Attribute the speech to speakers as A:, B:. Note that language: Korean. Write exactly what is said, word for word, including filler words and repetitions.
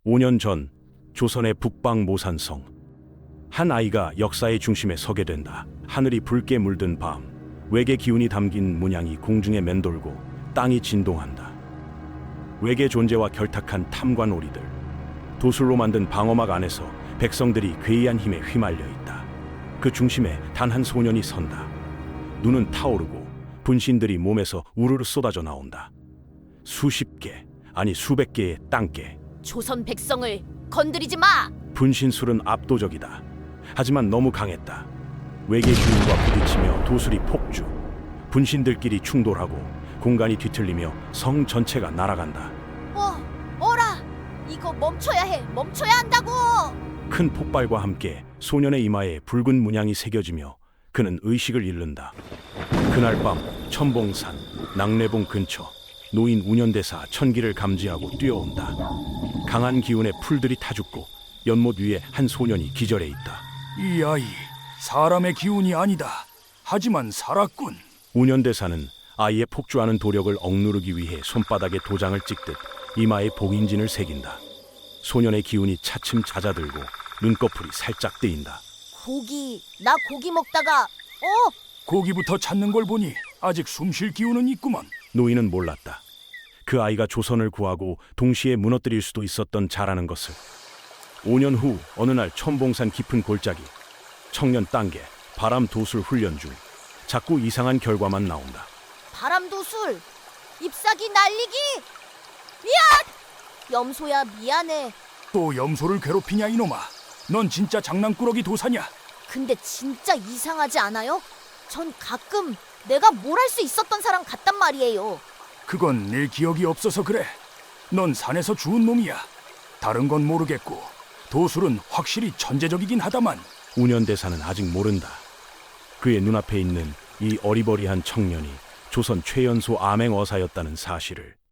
A: 오 년 전 조선의 북방 모산성. 한 아이가 역사의 중심에 서게 된다. 하늘이 붉게 물든 밤, 외계 기운이 담긴 문양이 공중에 맴돌고 땅이 진동한다. 외계 존재와 결탁한 탐관오리들, 도술로 만든 방어막 안에서 백성들이 괴이한 힘에 휘말려 있다. 그 중심에 단 한 소년이 선다. 눈은 타오르고 분신들이 몸에서 우르르 쏟아져 나온다. 수십 개, 아니 수백 개의 땅개.
B: 조선 백성을 건드리지 마!
A: 분신술은 압도적이다. 하지만 너무 강했다. 외계 기운과 부딪히며 도술이 폭주. 분신들끼리 충돌하고 공간이 뒤틀리며 성 전체가 날아간다.
B: 어, 어라! 이거 멈춰야 해! 멈춰야 한다고!
A: 큰 폭발과 함께 소년의 이마에 붉은 문양이 새겨지며 그는 의식을 잃는다. 그날 밤 천봉산 낙례봉 근처 노인 운현대사 천기를 감지하고 뛰어온다. 강한 기운에 풀들이 타죽고 연못 위에 한 소년이 기절해 있다.
C: 이 아이, 사람의 기운이 아니다. 하지만 살았군.
A: 운현대사는 아이의 폭주하는 도력을 억누르기 위해 손바닥에 도장을 찍듯 이마에 봉인진을 새긴다. 소년의 기운이 차츰 잦아들고 눈꺼풀이 살짝 뜨인다.
B: 고기, 나 고기 먹다가 어?
C: 고기부터 찾는 걸 보니 아직 숨쉴 기운은 있구먼.
A: 노인은 몰랐다. 그 아이가 조선을 구하고 동시에 무너뜨릴 수도 있었던 자라는 것을. 오 년 후 어느 날 천봉산 깊은 골짜기, 청년 땅개, 바람 도술 훈련 중 자꾸 이상한 결과만 나온다.
B: 바람도술! 잎사귀 날리기! 미안! 염소야 미안해.
C: 또 염소를 괴롭히냐 이놈아. 넌 진짜 장난꾸러기 도사냐?
B: 근데 진짜 이상하지 않아요? 전 가끔 내가 뭘 할 수 있었던 사람 같단 말이에요.
C: 그건 내 기억이 없어서 그래. 넌 산에서 주운 놈이야. 다른 건 모르겠고 도술은 확실히 천재적이긴 하다만.
A: 운현대사는 아직 모른다. 그의 눈앞에 있는 이 어리버리한 청년이 조선 최연소 암행어사였다는 사실을.